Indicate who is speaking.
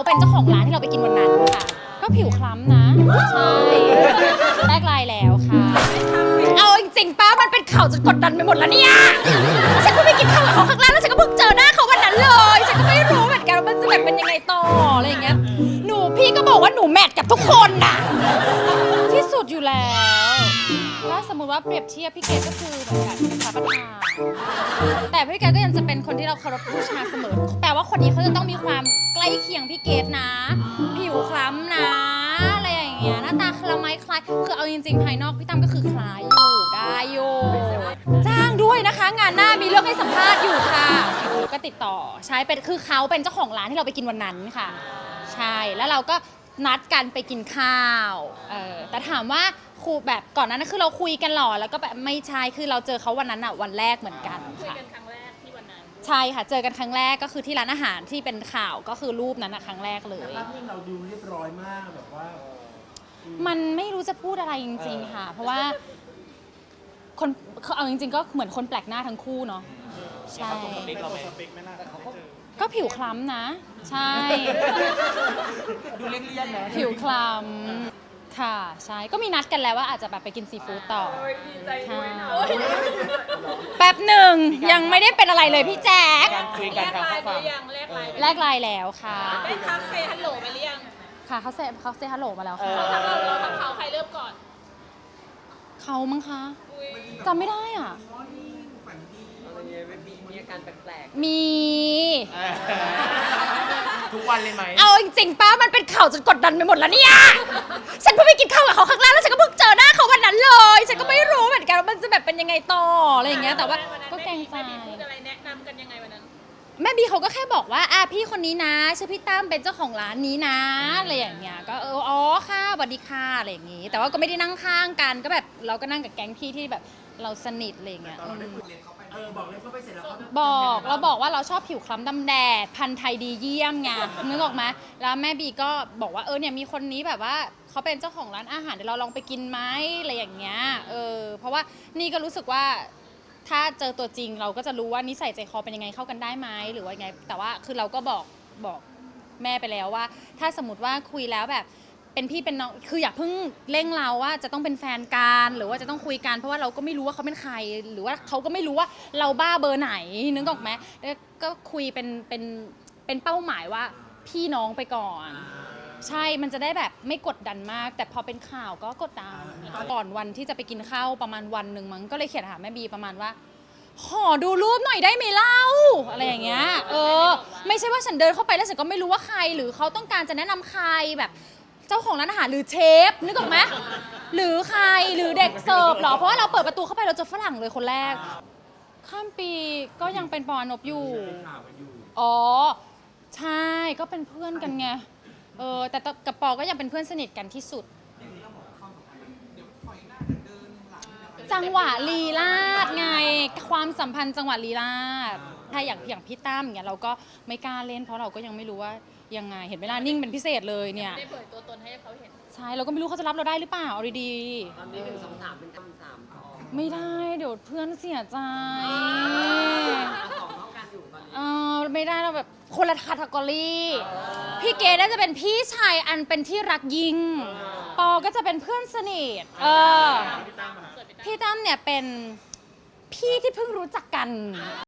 Speaker 1: เป็นเจ้าของร้านที่เราไปกินวันนั้นค่ะก็ผิวคล้ำนะใช่แลกไลน์แล้วค่ะเอาจริงๆป้ามันเป็นข่าวจนกดดันไปหมดแล้วเนี่ยฉันเพิ่งไปกินข้าวกับเขาครั้งแรกแล้วฉันก็เพิ่งเจอหน้าเขาวันนั้นเลยฉันก็ไม่รู้เหมือนกันว่ามันจะแบบเป็นยังไงต่ออะไรอย่างเงี้ยพี่ก็บอกว่าหนูแมทกับทุกคนน่ะที่สุดอยู่แล้วถ้าสมมติว่าเปรียบเทียบพี่เกดก็คือเหมือนกันเป็นพระประธานแต่พี่เกดก็ยังจะเป็นคนที่เราเคารพบูชาเสมอแปลว่าคนนี้เขาจะต้องมีความใกล้เคียงพี่เกดนะ ผิวคล้ำนะอะไรอย่างเงี้ยหน้าตาคล้ายคล้ายคือเอาจริงๆภายนอกพี่ตั้มก็คือคล้ายอยู่ได้อยู่จ้างด้วยนะคะ งานหน้ามีเรื่องให้สัมภาษณ์อยู่ค่ะก็ติดต่อใช้เป็นคือเขาเป็นเจ้าของร้านที่เราไปกินวันนั้นค่ะใช่แล้วเราก็นัดกันไปกินข้าวแต่ถามว่าครูแบบก่อนนั้นคือเราคุยกันหรอแล้วก็แบบไม่ใช่คือเราเจอเขาวันนั้นอ่ะวันแรกเหมือนกันค่ะคุยกันครั้งแรกที่วันนั้นใช่ค่ะเจอกันครั้งแรกก็คือที่ร้านอาหารที่เป็นข่าวก็คือรูปนั้นอะครั้งแรกเลย
Speaker 2: ภาพที่เราดูเรียบร้อยมากแบบว่า
Speaker 1: มันไม่รู้จะพูดอะไรจริงๆค่ะเพราะว่าคนเอาจริงๆก็เหมือนคนแปลกหน้าทั้งคู่เนาะใช่ก็ผิวคล้ำนะใช่
Speaker 2: ดูเลี่ยนๆนะ
Speaker 1: ผิวคล้ำค่ะใช่ก็มีนัดกันแล้วว่าอาจจะแบบไปกินซีฟู้ดต่อแป๊บหนึ่งยังไม่ได้เป็นอะไรเลยพี่แจ๊ค
Speaker 3: คุยกันทางข้อความ
Speaker 1: แลกไลน์แล้วค่ะ
Speaker 3: ได้ทักเซฮัลโหลไปหรือยัง
Speaker 1: ค่ะเขาเซฮัลโหลมาแล้วค่ะ
Speaker 3: เราทำเขาใครเริ่มก่อน
Speaker 1: เขามั้งคะจำไม่ได้อ่ะ
Speaker 3: มีอาการแปลก
Speaker 1: มี
Speaker 3: ทุกวันเลยไหม
Speaker 1: เอาจริงๆป้ามันเป็นข่าวจนกดดันไปหมดแล้วเนี่ยฉันเพิ่งไปกินข้าวกับเขาครั้งแรกแล้วฉันก็เพิ่งเจอหน้าเขาวันนั้นเลยฉันก็ไม่รู้เหมือนกันว่ามันจะแบบเป็นยังไงต่ออะไรอย่างเงี้ยแต่ว่าก็เกรงใจ
Speaker 3: พูดอะไรแนะนำกันยังไงวันนั้น
Speaker 1: แม่บีเขาก็แค่บอกว่าพี่คนนี้นะชื่อพี่ตั้มเป็นเจ้าของร้านนี้นะอะไรอย่างเงี้ยก็อ๋อค่ะสวัสดีค่ะอะไรอย่างงี้แต่ว่าก็ไม่ได้นั่งข้างกันก็แบบเราก็นั่งกับแก๊งพี่ที่แบบเราสนิทอะไรอย่างเงี้ย
Speaker 2: บอกเลยเขาไปเสร็จแล้ว
Speaker 1: เราบอกว่าเราชอบผิวคล้ำดำแดดพันธุ์ไทยดีเยี่ยมไงนึกออกไหมแล้วแม่บีก็บอกว่าเนี่ยมีคนนี้แบบว่าเขาเป็นเจ้าของร้านอาหารเดี๋ยวเราลองไปกินไหมอะไรอย่างเงี้ยเพราะว่านี่ก็รู้สึกว่าถ้าเจอตัวจริงเราก็จะรู้ว่านิสัยใจคอเป็นยังไงเข้ากันได้ไหมหรือว่าไงแต่ว่าคือเราก็บอกแม่ไปแล้วว่าถ้าสมมติว่าคุยแล้วแบบเป็นพี่เป็นน้องคืออย่าเพิ่งเร่งเราว่าจะต้องเป็นแฟนกันหรือว่าจะต้องคุยกันเพราะว่าเราก็ไม่รู้ว่าเขาเป็นใครหรือว่าเขาก็ไม่รู้ว่าเราบ้าเบอร์ไหนนึกออกไหมแล้วก็คุยเป็นเป้าหมายว่าพี่น้องไปก่อนใช่มันจะได้แบบไม่กดดันมากแต่พอเป็นข่าวก็กดดันก่อนวันที่จะไปกินข้าวประมาณวันหนึ่งมั้งก็เลยเขียนหาแม่บีประมาณว่าขอดูรูปหน่อยได้ไหมเล่าอะไรอย่างเงี้ยไม่ใช่ว่าฉันเดินเข้าไปแล้วฉันก็ไม่รู้ว่าใครหรือเขาต้องการจะแนะนำใครแบบเจ้าของร้านอาหารหรือเชฟนึกออกไหมหรือใครหรือเด็กเสิร์ฟหรอเพราะว่าเราเปิดประตูเข้าไปเราเจอฝรั่งเลยคนแรกข้ามปีก็ยังเป็นปอนบอยู่อ๋อใช่ก็เป็นเพื่อนกันไงแต่กับปอก็ยังเป็นเพื่อนสนิทกันที่สุดจังหวะลีลาศไงความสัมพันธ์จังหวะลีลาศถ้าอย่างพี่ตั้มอย่างเงี้ยเราก็ไม่กล้าเล่นเพราะเราก็ยังไม่รู้ว่ายังไงเห็นเวลานิ่งเป็นพิเศษเลยเนี่ย
Speaker 3: ได้เผยตัวตนให้เขาเห็น
Speaker 1: ใช่เราก็ไม่รู้เขาจะรับเราได้หรือเปล่าเอาดี
Speaker 3: ๆตอนนี้1 2 3เป็นคำ3
Speaker 1: ไม่ได้เดี๋ยวเพื่อนเสียใจ
Speaker 3: 2เท่ากันอยู่ตอนนี้
Speaker 1: ไม่ได้เราแบบคนละคาตากรีพี่เกดน่าจะเป็นพี่ชายอันเป็นที่รักยิ่งปอก็จะเป็นเพื่อนสนิทพี่ตั้มเนี่ยเป็นพี่ที่เพิ่งรู้จักกัน